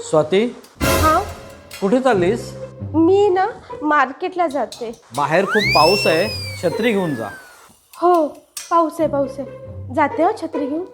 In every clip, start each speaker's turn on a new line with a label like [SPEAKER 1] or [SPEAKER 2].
[SPEAKER 1] स्वाती,
[SPEAKER 2] हाँ,
[SPEAKER 1] कुठे चाललीस?
[SPEAKER 2] मी ना मार्केटला जाते.
[SPEAKER 1] बाहेर खूप पाऊस आहे, छत्री घेऊन जा.
[SPEAKER 2] हो, पाऊस आहे. जाते हो छत्री घेऊन.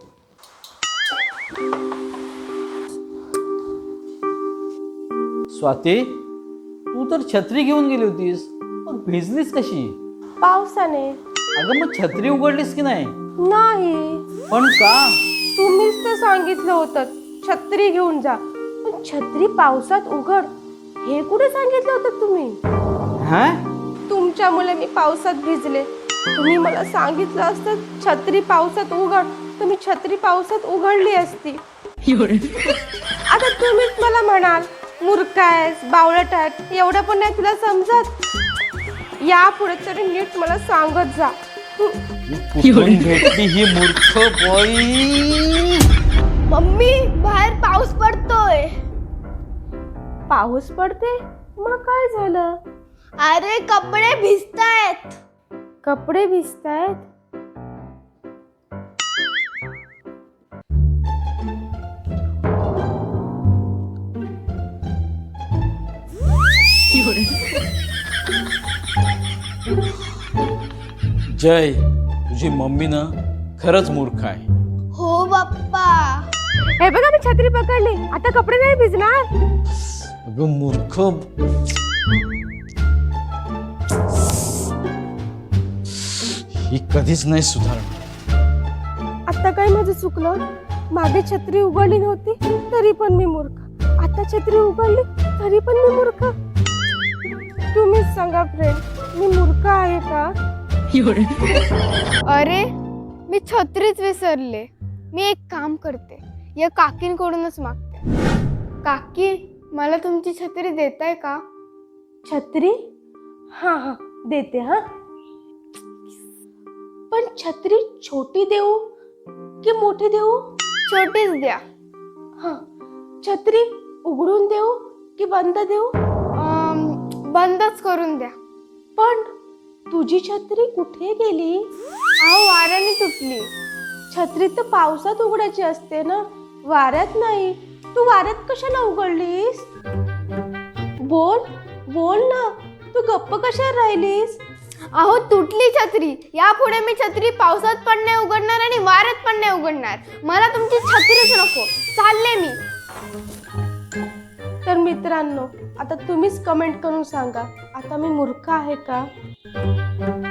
[SPEAKER 1] स्वाती, तू तर छत्री घेऊन गेली होतीस, मग भिजलीस कशी?
[SPEAKER 2] पावसाने.
[SPEAKER 1] अगं मग छत्री उघडलीस की नाही?
[SPEAKER 2] नाही,
[SPEAKER 1] पण का?
[SPEAKER 2] तुम्हीच तर सांगितलं होतं छत्री घेऊन जा. पण छत्री पावसात उघड हे कुठे सांगितलं होतं तुम्ही?
[SPEAKER 1] हा?
[SPEAKER 2] तुमच्यामुळे मी पावसात भिजले. तुम्ही मला सांगितलं असतं छत्री पावसात उघड, तर मी छत्री पावसात उघडली असती. आता तुम्हीच मला म्हणाल मूर्ख आहेस, बावळट आहेस, एवढं पण नाही तुला समजत. यापुढे तरी नीट मला सांगत जा.
[SPEAKER 1] कुठून भेटली ही मूर्ख बाई?
[SPEAKER 3] मम्मी बाहेर पाऊस पडतोय.
[SPEAKER 2] पाऊस पडते, मग काय झालं?
[SPEAKER 3] अरे कपडे भिजतायत.
[SPEAKER 2] कपडे भिजतायत.
[SPEAKER 1] जय, तुझी मम्मी ना खरंच मूर्ख आहे.
[SPEAKER 3] हो बाप्पा.
[SPEAKER 2] हे बघा मी छत्री पकडली, आता कपडे नाही भिजणार.
[SPEAKER 1] अगं मूर्ख, ही कधीच नाही सुधारणार.
[SPEAKER 2] आता काय माझं चुकलं? मागे छत्री उघडली नव्हती तरी पण मी मूर्ख, आता छत्री उघडली तरी पण मी मूर्ख. तुम्हीच सांगा फ्रेंड, मी मूर्ख आहे का?
[SPEAKER 3] अरे मी छत्रीच विसरले. मी एक काम करते, या काकींकडूनच मागते. काकी मला तुमची छत्री देताय का?
[SPEAKER 2] छत्री? हाँ, देते. हाँ, पण छत्री छोटी देऊ की मोठी देऊ?
[SPEAKER 3] छोटीच द्या.
[SPEAKER 2] हाँ, छत्री उघडून देऊ की बंद देऊ?
[SPEAKER 3] बंदच करून द्या.
[SPEAKER 2] पण तुझी छत्री कुठे गेली?
[SPEAKER 3] अहो वाऱ्याने तुटली.
[SPEAKER 2] छत्री तर पावसात उघडायची असते ना, वाऱ्यात नाही. तू वाऱ्यात कशाला उघडलीस? बोल ना, तू गप्प कशा राहिलीस?
[SPEAKER 3] अहो तुटली छत्री. यापुढे मी छत्री पावसात पण नाही उघडणार आणि वाऱ्यात पण नाही उघडणार. मला तुमची छत्रीच नको. चालले मी.
[SPEAKER 2] तर मित्रांनो, आता तुम्हीच कमेंट करून सांगा, आता मी मूर्ख आहे का?